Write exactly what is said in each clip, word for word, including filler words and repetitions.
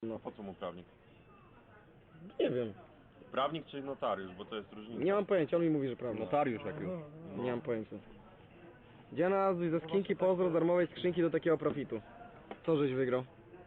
No. Po co mu prawnik? Nie wiem. Prawnik czy notariusz, bo to jest różnica. Nie mam pojęcia, on mi mówi, że prawda. Notariusz jak już. No. Nie mam pojęcia. Gdzie nazwij ze skinki pozdro darmowej skrzynki do takiego profitu? Co żeś wygrał?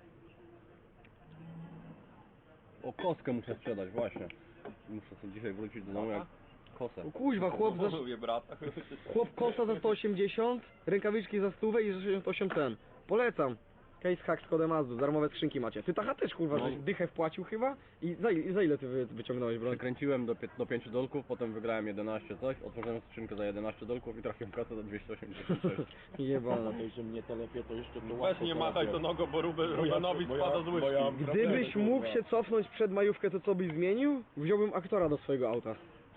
O, koskę muszę sprzedać, właśnie. Muszę sobie dzisiaj wrócić do domu jak kosę. O kuźwa, chłop za... Lubię brata. Chłop kosa za sto osiemdziesiąt, rękawiczki za stówę i za sześćdziesiąt osiem ten. Polecam. Case hack z kodem Azdu, darmowe skrzynki macie. Ty tacha też kurwa, No. żeś dychę wpłacił chyba? I za, i za ile ty wy, wyciągnąłeś broń? Przekręciłem do, do pięciu dolków, potem wygrałem jedenaście coś, otworzyłem skrzynkę za jedenaście dolków i trafiłem kasę za dwieście osiemdziesiąt sześć. Jebana. że mnie telepie, to jeszcze to Weź łatwo nie machaj to załatwiam. nogą, bo Ruben, Bo ja- Rubenowi bo ja- spada z bo ja- łyżki. Gdybyś mógł się cofnąć przed majówkę, to co byś zmienił? Wziąłbym aktora do swojego auta.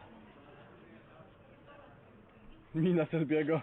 Mina Selbiego.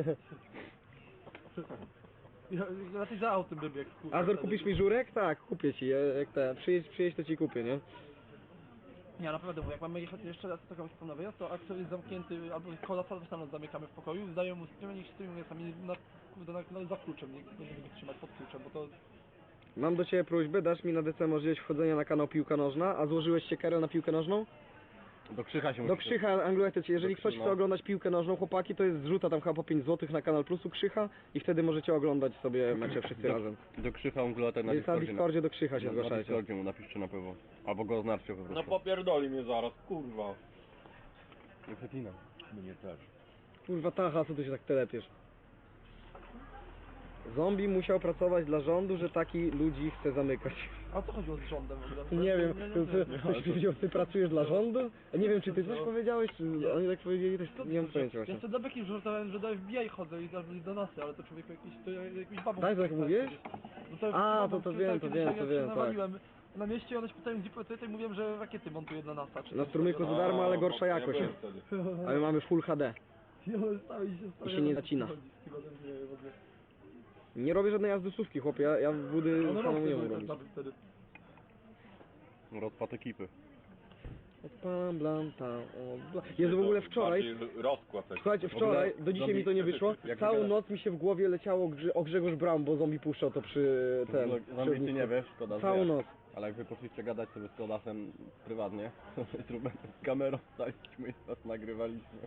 Ja raczej za autem by biegł. kurwa, Azor, wtedy. kupisz mi żurek? Tak, kupię ci. Ja- Jak te, przyjedź, przyjedź to ci kupię, nie? Nie, naprawdę, bo jak mamy jechać jeszcze raz taką wspólną wyjazd, to aktor jest zamknięty, albo kola też tam nas zamykamy w pokoju, zdają mu sprawę, niech stoimy sami na, kurde, na, na, za kluczem, nie będziemy go trzymać pod kluczem, bo to... Mam do ciebie prośbę, dasz mi na D C możliwość wchodzenia na kanał Piłka Nożna, a złożyłeś się Karol na piłkę nożną? Do Krzycha się Do musi- Krzycha Anglo-Etycie, jeżeli Do ktoś Krzy- chce no. oglądać piłkę nożną, chłopaki, to jest zrzuta tam chyba po pięć złotych na kanal Plusu Krzycha i wtedy możecie oglądać sobie mecze wszyscy do, razem. Do Krzycha Ungulata na Jest na Discordzie. Discordzie do Krzycha się na, na zgłaszajcie. Discordzie mu napiszcie na pewno. Albo go oznaczcie po No prostu. popierdoli mnie zaraz, kurwa. Nie przeklinam. Mnie też. Kurwa tacha, co tu się tak telepiesz? Zombie musiał pracować dla rządu, że taki ludzi chce zamykać. A co chodziło z rządem w ogóle? Nie wiem, nie, nie, ty, ty, nie, ty, powiedział, ty pracujesz dla rządu? Nie wiem, czy ty coś powiedziałeś, czy Nie. oni tak powiedzieli, też nie mam pojęcia Ja właśnie. sobie do beki wrzucałem, że do F B I chodzę i do, do nasy, ale to człowiek jakiś, to jakiś babą... Tak, tak mówiłeś? No to A, babą, to- to która wiem, to kiedyś wiem, jak to się wiem, tak. nawaliłem Na mieście i one się pytają, gdzie pracuję, i mówiłem, że rakiety montuję dla NASA. Czy Na coś strumyku takiego. za darmo, ale A, gorsza bo ja jakość. byłem wtedy. A my mamy Full H D. I one stały i się I się nie zacina. Nie robię żadnej jazdusówki, chłopie, ja, ja w budy One samemu nie rosły umiem tak robić. nawet wtedy. Rozpad ekipy. Odpalam, blam, tam, o, bla. Jezu, w ogóle wczoraj, Bardziej rozkład taki. słuchajcie, wczoraj, do dzisiaj mi to nie wyszło, Jak całą wygląda- noc mi się w głowie leciało Grze- o Grzegorz Braun, bo zombie puszczał to przy ten... przy Zombie ty ognisku. nie wiesz, szkoda, Całą że noc. Ale jak wy poszliście gadać sobie z Kodasem prywatnie, z Rubenem z kamerą staliśmy i nas nagrywaliśmy.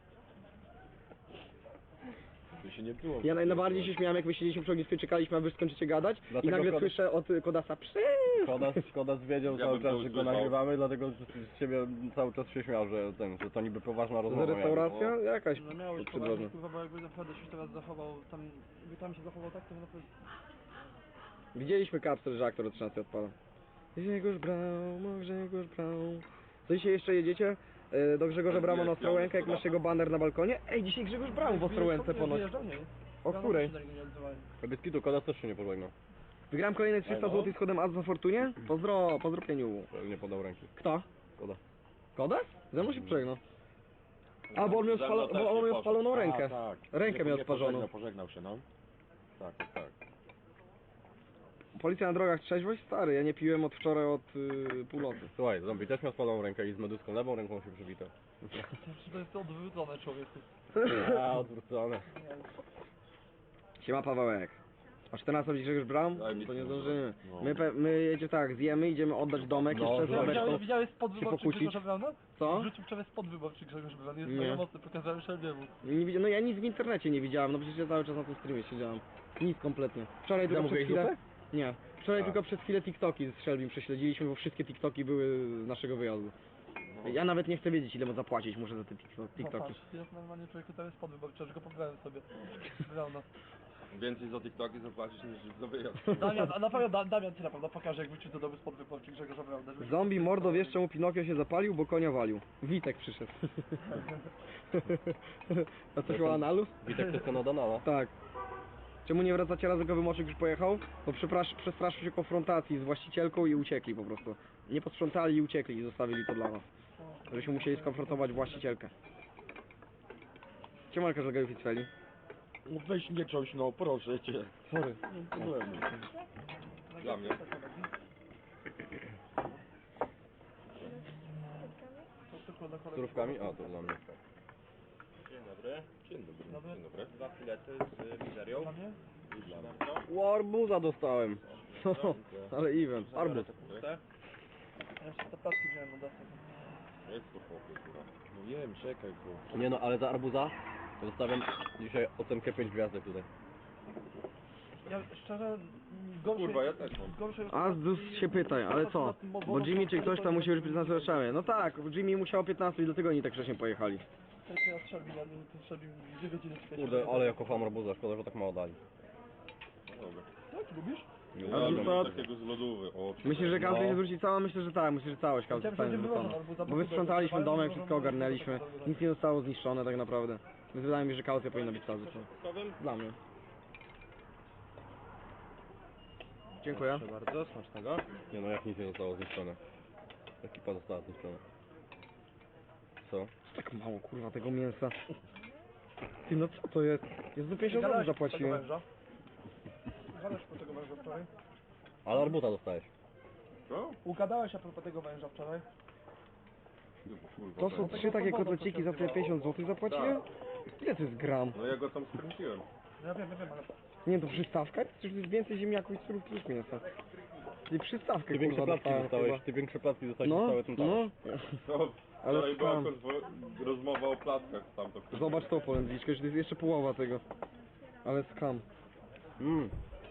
To się nie było. Ja naj- najbardziej się śmiałem, jak my siedzieliśmy przy ognisku i czekaliśmy, a wy skończycie gadać i Dlatego nagle Kodas- słyszę od y, Kodasa PSZY. Kodas, Kodas wiedział Ja cały bym czas, to że go usłyszał. nagrywamy, dlatego z ciebie cały czas się śmiał, że, ten, że to niby poważna To rozmowa. restauracja? Jakaś No miałeś przydrożna. poważnie, kurwa, bo jakby naprawdę się teraz zachował, tam, jakby tam się zachował tak, to by naprawdę... Widzieliśmy kapsel, że aktor od trzynastej odpala. Grzegorz Braun, o Grzegorz Braun. Co dzisiaj jeszcze jedziecie? E, Do Grzegorza Brauna na Ostrołękę, jak masz jego baner na balkonie? Ej, dzisiaj Grzegorz Braun w Ostrołęce ponoć. Wyjeżdżał, nie? O Rano której? się do niego nie odzywałem. Bez Kodas też się nie pożegnał. Wygrałem kolejne trzysta złotych z kodem A Z za Fortunie? Pozdro, pozdro pieniu. Nie podał ręki. Kto? Kodas. Kodas? Ze mną się przegnął. A, bo on miał, Ze mną spalo, też bo on nie miał poszedł. spaloną rękę. A, tak. Rękę Nie- miał nie sparzoną. Pożegnał, pożegnał się, no. Tak, tak, tak. Policja na drogach, trzeźwość? Stary, ja nie piłem od wczoraj od y, północy. Słuchaj, zombie też miał spaloną rękę i z meduską lewą ręką się przybitał. To jest odwrócone, człowieku. A, odwrócone. Siema Pawełek. O czternastej będzie Grzegorz Braun? Daj mi To nie to. zdążymy. No. My, pe- my jedziemy tak, zjemy, idziemy oddać domek, No, jeszcze z no, babeczką. Widziałeś, widziałeś spod się wyborczy pokłócić. Grzegorza Brauna? Co? Wrzucił wczoraj spod wyborczy Grzegorz Braun, jest Nie. mega mocny, pokazałem Szelbiemu. Nie widzi- no ja nic w internecie nie widziałem, no przecież ja cały czas na tym streamie siedziałem. Nic kompletnie. Wczoraj tylko przez Zamówiłeś chwilę... zupę? Nie. Wczoraj A. tylko przez chwilę TikToki z Shelbym prześledziliśmy, bo wszystkie TikToki były z naszego wyjazdu. Ja nawet nie chcę wiedzieć, ile mu zapłacić muszę za te TikTok- No TikToki. patrz, jest normalnie człowieku, tam jest spod wyborczy, że go pobrałem sobie. Brauna. Więcej za TikToki zapłacisz niż za wyjazd. Damian, a na pewno Da- Damian ci na pewno pokaże, jak wrócił do domu spod wyborczy Grzegorza Brauna. żeby- Zombie mordo, wiesz czemu Pinokio się zapalił? Bo konia walił. Witek przyszedł. A coś o analu? Witek tylko na Donala. Tak. Czemu nie wracacie razem, go wymoczyk już pojechał? Bo przeprasz- przestraszył się konfrontacji z właścicielką i uciekli po prostu. Nie posprzątali i uciekli i zostawili to dla nas. Żeśmy musieli skonfrontować właścicielkę. Ciemalka, że gejów i cweli. No weź nie coś, no proszę cię. Sorry. Nie ma problemu. Dla mnie. Z surówkami? A, to dla mnie. Dzień dobry. Dzień dobry. Dobry. Dzień dobry. Dwa filety z mizerią. Dla mnie? I dla mnie. Warbuza dostałem. No, ale event. Arbuz. Puste. Ja jeszcze te placki wziąłem na desce. Jest to chłopie, kurwa. No wiem, czekaj, bo... Nie no, ale za arbuza zostawiam dzisiaj ocenkę pięć gwiazdek tutaj. Ja szczerze, gorszej... Kurwa, ja też mam. gorszej- A Zdus się pytaj, ale co? Bo Jimmy czy ktoś tam musi być piętnaście oczami. No tak, Jimmy musiał piętnaście i dlatego oni tak wcześnie pojechali. Tylko ja strzelbi na nim, to strzelbi dwie godziny w świecie. Kurde, ale ja kocham arbuza, szkoda, że tak mało dali. Dobra. Tak, lubisz? Nie A Ja to- mam takiego z lodówy. O, Myślisz, że każdy No. się zwróci cała? Myślę, że tak, myślę, że całość każdy Chciałem, zostanie żeby zwrócona. wyłożono, albo Bo za- wysprzątaliśmy za- domek, za- wszystko za- ogarnęliśmy, za- za- nic nie zostało zniszczone tak naprawdę. Więc wydaje mi się, że kaucja powinna być cała Powiem? Dla mnie. Dziękuję. Proszę bardzo, smacznego. Nie no, jak nic nie zostało zniszczone. Ekipa została zniszczona. Co? Tak mało kurwa tego mięsa. Ty no co to jest? Jest do pięćdziesiąt złotych Gadałeś po zapłaciłem. tego węża? Gadałeś po tego węża wczoraj? Ale arbuza dostałeś. Co? Ugadałeś a propos tego węża wczoraj? Kurwa, To są tak. trzy takie kotleciki za tyle pięćdziesiąt złotych zapłaciłem? Ile to jest gram? No ja go tam skręciłem. No ja wiem, ja wiem, ale... Nie, to przystawka? Przecież to jest więcej ziemniaków i surówki niż mięsa. Czyli przystawkę Ty większe kurwa placki dostałem dostałeś, chyba. ty większe placki dostałeś No, niż cały ten talerz. no. No, Ale wczoraj była skam. konwo- rozmowa o plackach tam to. Zobacz tą polędwiczkę, że to jest jeszcze połowa tego. Ale skam. Mm.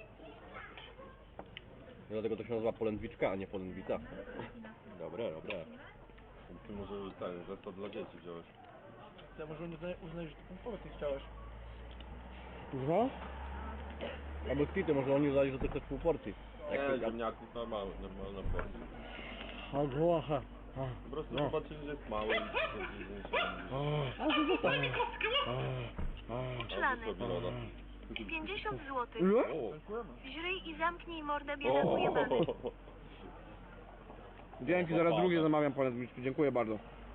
Dlatego to się nazywa polędwiczka, a nie polędwica. Dobre, dobre. Ty może ten zestaw dla dzieci wziąłeś. Ja może nie uznaj- uznajesz, że to pompowiec nie chciałeś. Kurwa? Albo kwity, może oni uznali, że to chcesz pół porcji. Jak Nie, to- ziemniaków normalne, normalna porcja. A głocha. Po prostu No. zobaczyli, że jest mały i stwierdzili, że nie się A, że został. Albo sobie loda. pięćdziesiąt złotych. Ile? O! Dziękujemy. Źryj i zamknij mordę biedaku jebany. O! Dzięki, zaraz drugie zamawiam polędwiczki. Dziękuję bardzo.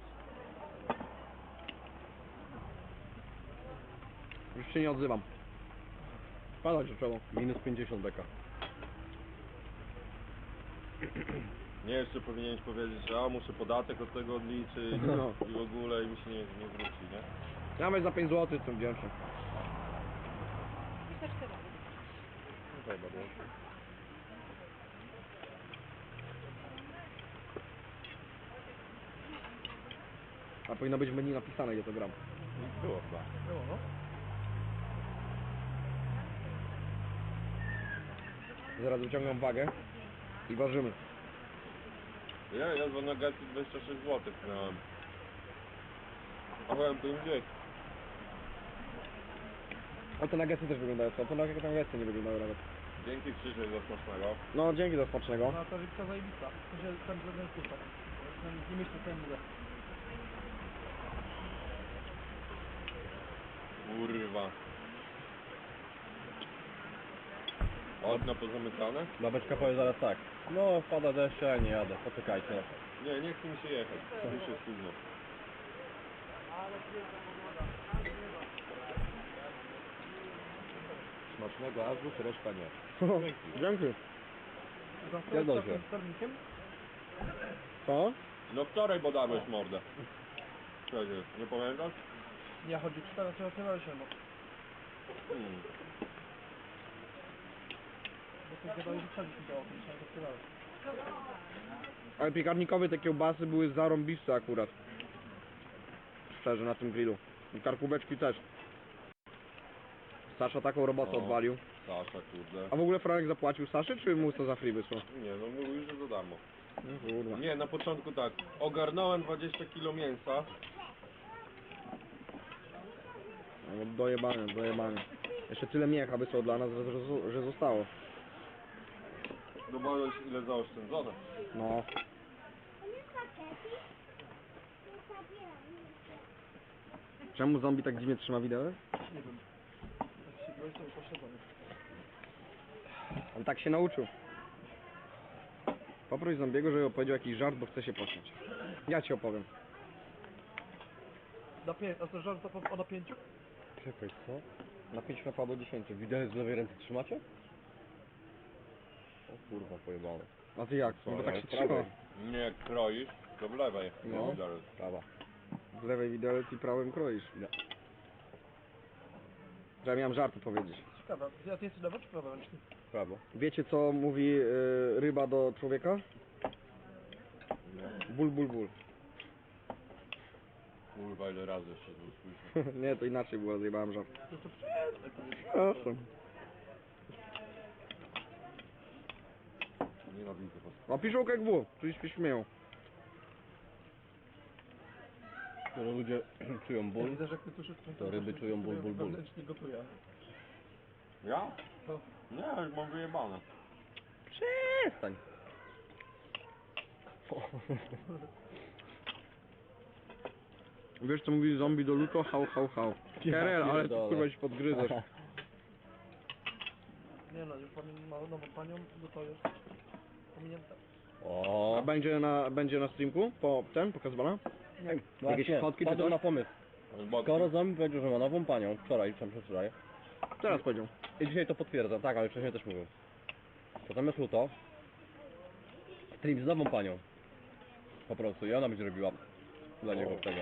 Już się nie odzywam. Padać do czego. Minus pięćdziesiąt beka. Nie, jeszcze powinieneś powiedzieć, że a muszę podatek od tego odliczyć No. i w ogóle i mi się nie, nie zwróci, nie? Nawet za pięć złotych jestem wdzięczny. A powinno być w menu napisane, ile to gram. Było chyba. Było, no. Zaraz wyciągam wagę i ważymy. Ja, ja za nuggetsy dwadzieścia sześć złotych miałem. A powiem to im gdzieś. O, te nuggetsy też wyglądają, co? To nuggetsy nie wyglądają nawet. Dzięki Krzysiek za smacznego. No, dzięki za smacznego. No ta rybka zajebista. To się tam żaden kurczak. Nie myślę, co ja mówię. Kurwa. Okna pozamykane? Babeczka powie zaraz tak. No, wpada deszcz, ja nie jadę, poczekajcie. Nie, nie chce mi się jechać. Już jest późno. Smacznego azus, reszta nie. Dzięki. Zgadzam Za się. sternikiem? Co? No wczoraj badałeś mordę. Przecież, nie pamiętasz? Ja chodzi cztery, teraz nie ma się, no. Hmm. Bo to gadałeś, że przebić mi dało, to się odkrywałeś. Ale piekarnikowe te kiełbasy były zarąbiste akurat. Szczerze, na tym grillu. I karkóweczki też. Sasza taką robotę O. odwalił. Sasza, kurde. A w ogóle Franek zapłacił Saszy, czy mu to za free wysłał? Nie, no mówił, że za darmo. No kurwa. Nie, na początku tak. Ogarnąłem dwadzieścia kilo mięsa. No, dojebane, dojebane. Jeszcze tyle miecha wysłał dla nas, że, że, że zostało. Zobaczyć ile zaoszczędzone. No. Czemu zombie tak dziwnie trzyma widelec? Nie wiem. Jak się byłeś, to pośledzony. On tak się nauczył. Poproś zombiego, żeby opowiedział jakiś żart, bo chce się pośmiać. Ja ci opowiem. Na pięć, a to żart to o napięciu? Czekaj, co? Na pięć napadło dziesięciu. Widelec w lewej ręce trzymacie? O kurwa, pojebane. A ty jak? Co, No bo ja tak się prawej. trzyma. Nie, jak kroisz, to w lewej. No. Widelec. Prawa. W lewej widelec i prawym kroisz. Nie. Że ja miałem żart powiedzieć. Ciekawe. A ty jesteś lewo czy prawo ręczny? prawo. Wiecie co mówi y, ryba do człowieka? Ból, ból, ból. Kurwa, ile razy jeszcze to usłyszę. Nie, to inaczej było, zjebałem żart. To to przestań. Przepraszam. Nienawidzę was. A piszą jak było, czyli się śmieją. Skoro ludzie czują Ja ból, widzę, że jak ty słyszysz, to ryby czują ból, ból, ból. wewnętrznie gotuje. Ja? No. Nie, już mam wyjebane. przestań. Wiesz co mówi zombie do luto? Hał, hał, hał. Kerel, ale ty pierdolę. kurwa się podgryzasz. Nie no, już pan ma nową panią, no to jest pominięte. A O, będzie na, będzie na streamku? Po ten, pokazywana? właśnie, fotki czy padłem coś? na pomysł. Skoro zombie powiedział, że ma nową panią, wczoraj, czy tam przedwczoraj, Teraz powiedział. i dzisiaj to potwierdza, tak, ale wcześniej też mówił. To zamiast luto, stream z nową panią. Po prostu, i ona będzie robiła dla niego tego.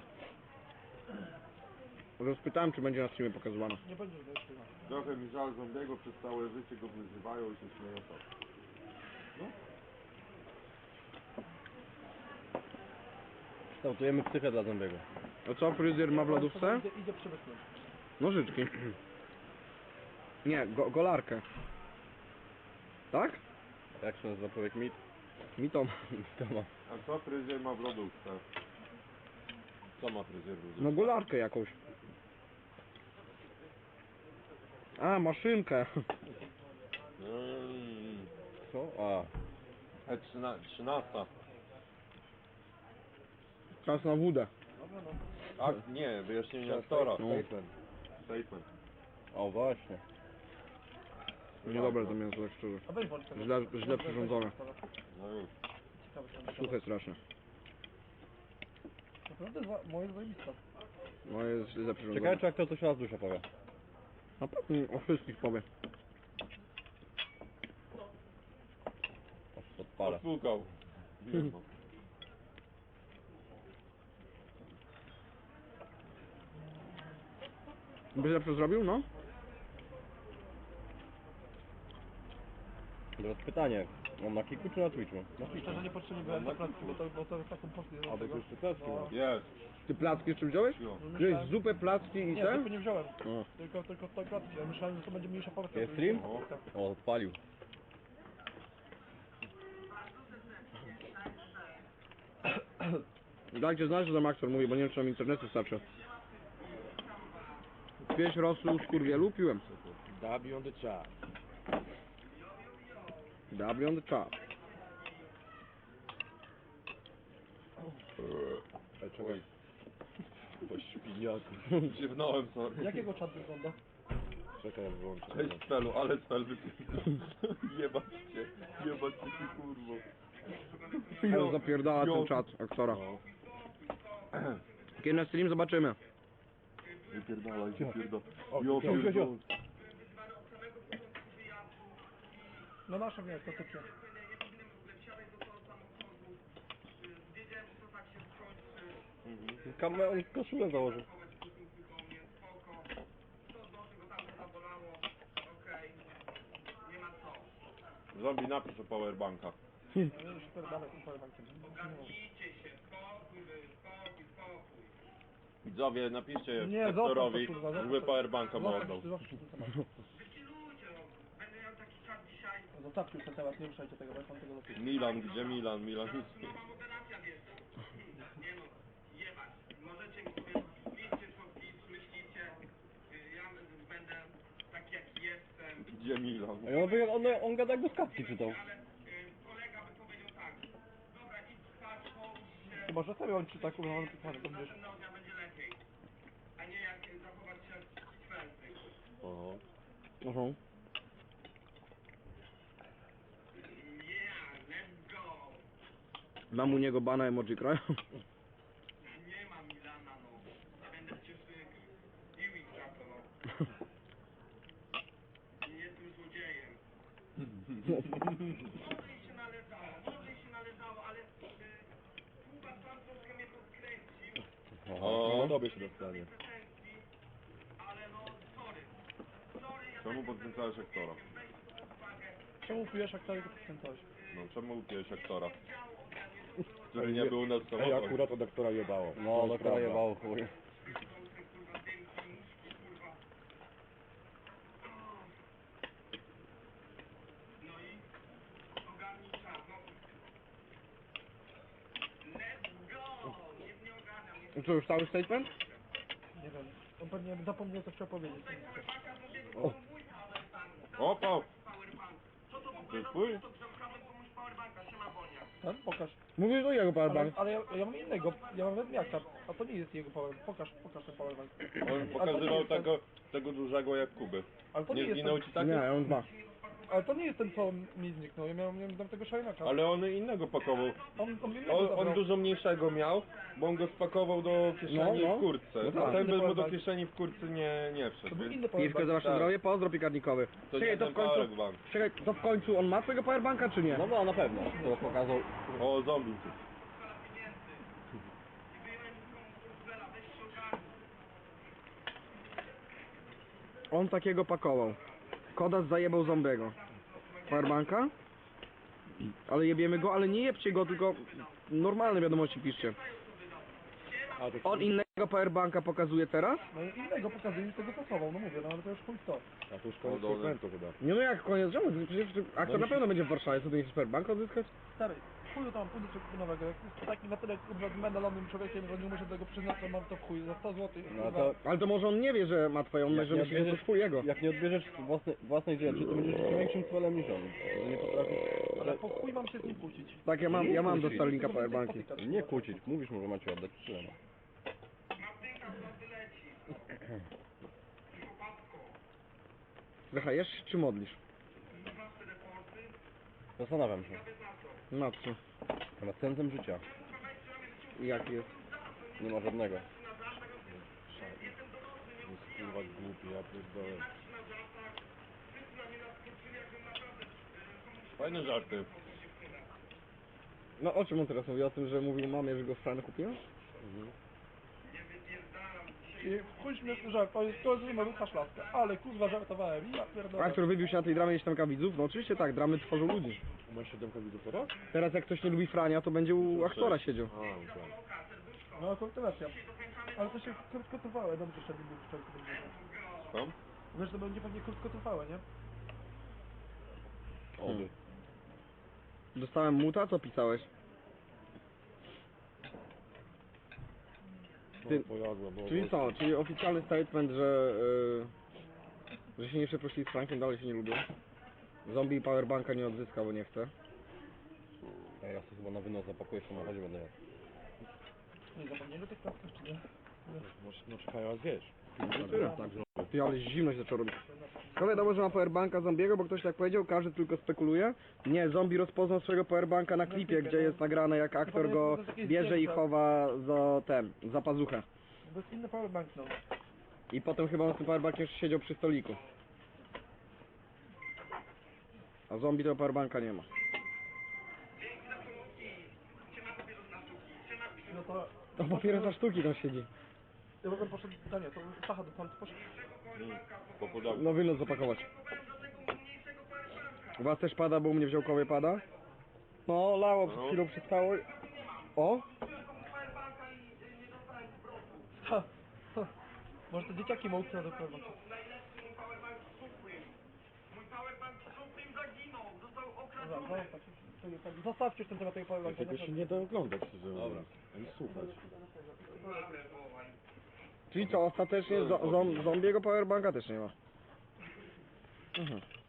Rozpytałem, czy będzie na streamie pokazywana. Nie będzie wejścia. Trochę mi żal zombiego, przez całe życie go wyzywają i się śmieją tak. Kształtujemy psychę dla zombiego. A co, fryzjer ma w lodówce? Idzie, idzie przemysłem. Nożyczki. Nie, go, golarkę. Tak? Jak się nazywa człowiek mit? Mi to. To ma. A co fryzjer ma w lodówce? Co ma fryzjer w lodówce? No golarkę jakąś. A, maszynkę. Mm. Co? A. E trzynasta. Czas na wódę. Dobra, no. A nie, wyjaśnienie aktora. No. Statement. Statement. O właśnie. Niedobre to mięso, tak szczerze. A weź włącz tego. Źle, źle przyrządzone. No już. Ciekawe, co tam Suche strasznie. Naprawdę za, moje zajebista. No jest źle Ciekawe, przyrządzone. czy aktor coś raz dusza powie. Na pewno o wszystkich powie. Aż odpalę. Odsłukał. Wiem, no. Byś lepsze zrobił, no? Teraz pytanie. On na Kiku czy na Twitchu? Na I szczerze nie potrzebnie byłem za pracę, bo to, bo to taką poszli do A, bo tego. to już pyteczki No. ma. Jest. Ty placki jeszcze wziąłeś? Jo. Wziąłeś zupę, placki i Nie, ten? zupy nie wziąłem. O. Tylko, tylko te klatki. Ja myślałem, że to będzie mniejsza porcja. Jest to już- stream? Tak. O, odpalił. Dajcie znać, że tam aktor mówi, bo nie wiem, czy nam internetu starczy. Pieś rosół z kurwielu piłem. W on the chat. W on the top. Ej, czekaj. Po świniaku. Ziewnąłem sobie. Jakiego czat wygląda? Czekaj, jak wyłączę. Cześć Spelu, ale Spel wypierdol. Jebać cię. Jebać cię ty kurwo. Ale zapierdala ten Jo. czat aktora. No. Kiedy na stream zobaczymy. Wypierdalaj, wypierdalaj. O, Jo, jo, jo, jo. pierdol. No nasze nie, to typie. Kamę on koszulę założył. Zombie napisz o powerbanka. Ja już pierdolę tym powerbankiem. Widzowie, napiszcie Nie, aktorowi, zostaw to, kurwa, zostaw żeby to. powerbanka mu Zostaw- oddał. zostaw ten temat. Zostawcie już ten temat, nie ruszajcie tego, bo ja mam tego dosyć. Milan, gdzie Milan? Milan nic nie. Możecie mi sobie liczcie członki, myślicie, ja będę taki jaki jestem, Gdzie Milan? A on, by- on, on gada jak do skawki czytał. ale y, kolega by powiedział tak, dobra idź spać, połóż się, Chyba, że sobie on czy tak uważam, to to wiesz. następnego dnia będzie lepiej, a nie jak y, zachować się jak kwęty. Oho. Aha. Yeah, let's go! Dam u niego bana emoji kraju. Nie ma Milana, no. Nie będę cię bił ich za to, no. Nie jestem złodziejem. Może i się należało, może i się należało, ale y, Kuba sam troszkę mnie podkręcił, O, No tobie się dostanie. pretensji, ale no sorry. Sorry, ja Czemu podkręcałeś aktora? weź to Czemu pijesz jak tego podkręcałeś? No czemu upiłeś aktora? Który nie był u nas w Ej, samochodzie. akurat od aktora jebało. No, To jest doktora prawda. jebało chuj. I co, już cały statement? Nie wiem. On pewnie zapomniał co chciał powiedzieć. Opa! To jest twój? Ten? Pokaż. Mówisz do jego Ale, powerbank. ale ja, ja mam innego, ja mam wezmiaka, a to nie jest jego powerbank. Pokaż, pokaż ten powerbank. On pokazywał tego, tego dużego jak Kuby. Ale to nie Nie jest zginął ten, ci taki? Nie, on ma. ale to nie jest ten co mi zniknął, ja miałem, miałem tego szajnaka. Ale on innego pakował. On, on innego On, zabrał. on dużo mniejszego miał, bo on go spakował do kieszeni No, no. w kurtce. No tak. A ten bez mu do Powerbank. kieszeni w kurtce nie, nie To wszedł. był Więc inny Piwko powerbank. za wasze Tak. zdrowie, pozdro pikarnikowy. to Czekaj, nie to ten w końcu... powerbank. Czekaj, to w końcu on ma swojego powerbanka, czy nie? No bo na pewno, to pokazał. O, zombie. On takiego pakował. Kodas zajebał zombiego. Powerbanka? Ale jebiemy go, ale nie jebcie go, tylko normalne wiadomości piszcie. A, to On innego powerbanka pokazuje teraz? No i innego pokazuje, z tego pasował, no mówię, no ale to już chuj w to. A to już koniec O, dobra. segmentu chyba. Nie no jak koniec, czemu? Przecież aktor na pewno będzie w Warszawie, co ty nie chcesz powerbank odzyskać? Stary, chuju tam, pójdę sobie nowego, jak jest taki na tyle kurwa medalonym człowiekiem, że nie muszę tego przyznać, to mam to w chuj, za sto złotych. No to Ale to może on nie wie, że ma twoją, Jak że nie myśli, że to odbierzesz- twój jego. jak nie odbierzesz własnej, własnej rzeczy, to będziesz jeszcze większym celem niż on. Nie potrafisz. Ale po chuj mam się z nim kłócić. Tak, ja mam, ja mam do Kłócić. Starlinka powerbanki. Nie kłócić, mówisz mu, że macie oddać tyle. No. Zachajesz czy modlisz? Zastanawiam się. Na co? Nad sensem życia. I jaki jest? Nie ma żadnego. Jest kurwa głupi, ja pierdolę. Fajne żarty. No o czym on teraz mówi? O tym, że mówił mamie, że go w Franę kupiła? I w chuj śmieszny żart, to jest to jest numer Łukasz Laska, ale kurwa żartowałem, ja pierdolę. Aktor wybił się na tej dramie siedemka widzów? No oczywiście tak, dramy tworzą ludzi. Masz siedemkę widzów teraz? Teraz jak ktoś nie lubi Frania, to będzie u aktora siedział. A, no tak. No kultywacja. Ale to się krótkotrwałe, dobrze, że nie był szczerze będzie. Tam? Wiesz, to będzie pewnie krótkotrwałe, nie? Oby. Dostałem muta, co pisałeś? Ty- No, pojadła, bo... Czyli co? Czyli oficjalny statement, że, yy, że się nie przeprosili z Frankiem, dalej się nie lubią. Zombie powerbanka nie odzyska, bo nie chce. A ja sobie chyba na wynos zapakuję w samochodzie, będę jadł. Nie zapomnieli o tych klatkach, czy nie? No, no czekaj, a zjesz. Tyle. Ty, ale zimno się zaczęło robić. To wiadomo, że ma powerbanka zombiego, bo ktoś tak powiedział, każdy tylko spekuluje. Nie, zombie rozpoznał swojego powerbanka na klipie, gdzie jest nagrane jak aktor go bierze i chowa za ten, za pazuchę. To jest inny powerbank, no. I potem chyba on z tym powerbankiem jeszcze siedział przy stoliku. A zombie tego powerbanka nie ma. No to... To papiery za sztuki tam siedzi. Ja bym poszedł, a nie, to Sacha do tam poszedł. Po pudełku. No wynos zapakować. U was też pada, bo u mnie w Działkowie pada? No, lało przed No. chwilą przestało. O! Ha, ha. Może te dzieciaki ma ukradł do powerbanku. Mój powerbank Supreme zaginął, został Dobra, okradziony. zostawcie, zostawcie już ten temat tego powerbanka. Tego się nie da oglądać, szczerze mówiąc. Ani słuchać. Czyli co, ostatecznie zo zom zombiego powerbanka też nie ma. Mhm.